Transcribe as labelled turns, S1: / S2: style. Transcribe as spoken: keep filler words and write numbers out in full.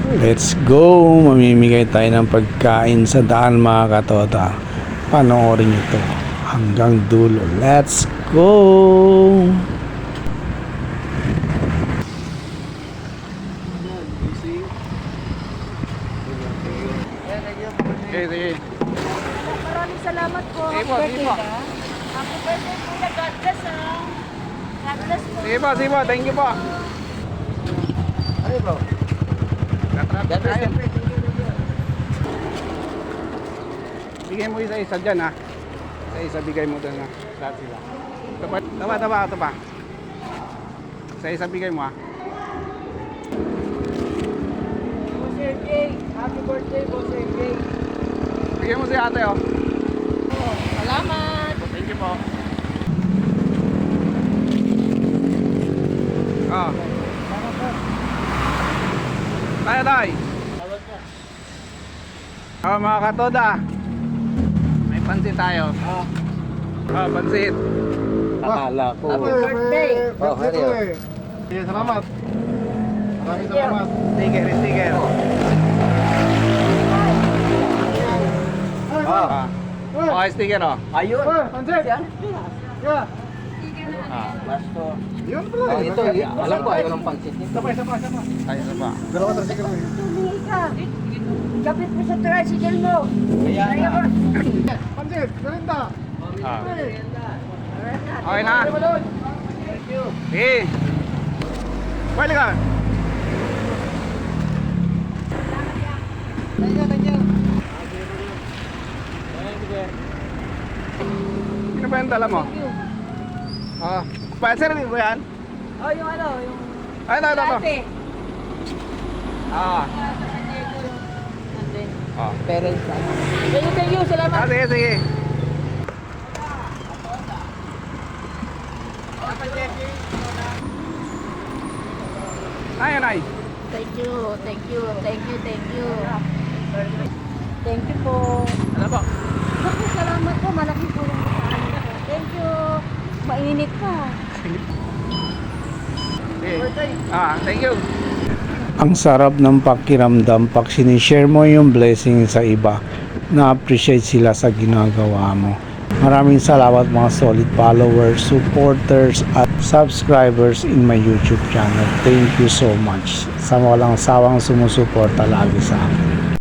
S1: Let's go! Mamimigay tayo ng pagkain sa daan mga katota. Panoorin nyo to hanggang dulo. Let's go!
S2: Okay, sige.
S3: Maraming salamat po.
S2: Sige po,
S3: Happy
S2: sige po.
S3: birthday, ha? Happy birthday, Kuya. God bless, ha? God bless po.
S2: Sige po, sige po. Thank you po.
S4: Ano bro?
S2: Traffic tayo. Bigay mo isa-isa dyan ha. Isa-isa bigay mo doon ha. Lahat sila. Ito pa, ito pa, ito pa, ito pa. Isa-isa bigay mo ha.
S3: Boss R J, happy birthday, Boss R J.
S2: Bigay mo si ate oh.
S3: Oh, salamat.
S2: Thank you po. Oh. Tayo tayo. Oh, mga katoda. May pansit tayo. Oh, pansit.
S4: Akala ko.
S3: Happy birthday.
S4: Oh, hari oh.
S2: Sige, salamat. Maraming salamat. Sticker, sticker. Ah. Oh, sticker oh.
S4: Ayun.
S2: Pansit. Yeah.
S4: Ah, basto.
S2: Yun
S4: Oh, ito, alam ko ayaw ng pansit nito.
S2: Sabay, sabay, sabay. Ay, sabay. Dalawa tayo sticker mo.
S3: Tumingi ka. Kapit mo sa tricycle mo.
S4: Kaya
S3: Kaya
S4: na.
S3: ka.
S2: Pansit, galinda. Ah. Okay na. Sige. Pwede ka. Sino ba yung dala mo? Ah, Spencer, hindi ba yan?
S3: Oh, yung ano, yung...
S2: Ay, ito, ito, ito.
S3: Ate.
S2: Ah. Ah.
S3: Parents. Thank you, thank you. Salamat.
S2: Ah, sige, sige. Ay, ay.
S3: Thank you, thank you, thank you, thank you. Thank you po.
S2: Ano po?
S3: Naku, salamat po. Malaking tulong po sa amin po. Thank you. Mainit pa.
S2: Sige. Ah, thank you.
S1: Ang sarap ng pakiramdam pag sinishare mo yung blessing sa iba. Na-appreciate sila sa ginagawa mo. Maraming salamat mga solid followers, supporters at subscribers in my YouTube channel. Thank you so much sa walang sawang sumusuporta lagi sa akin.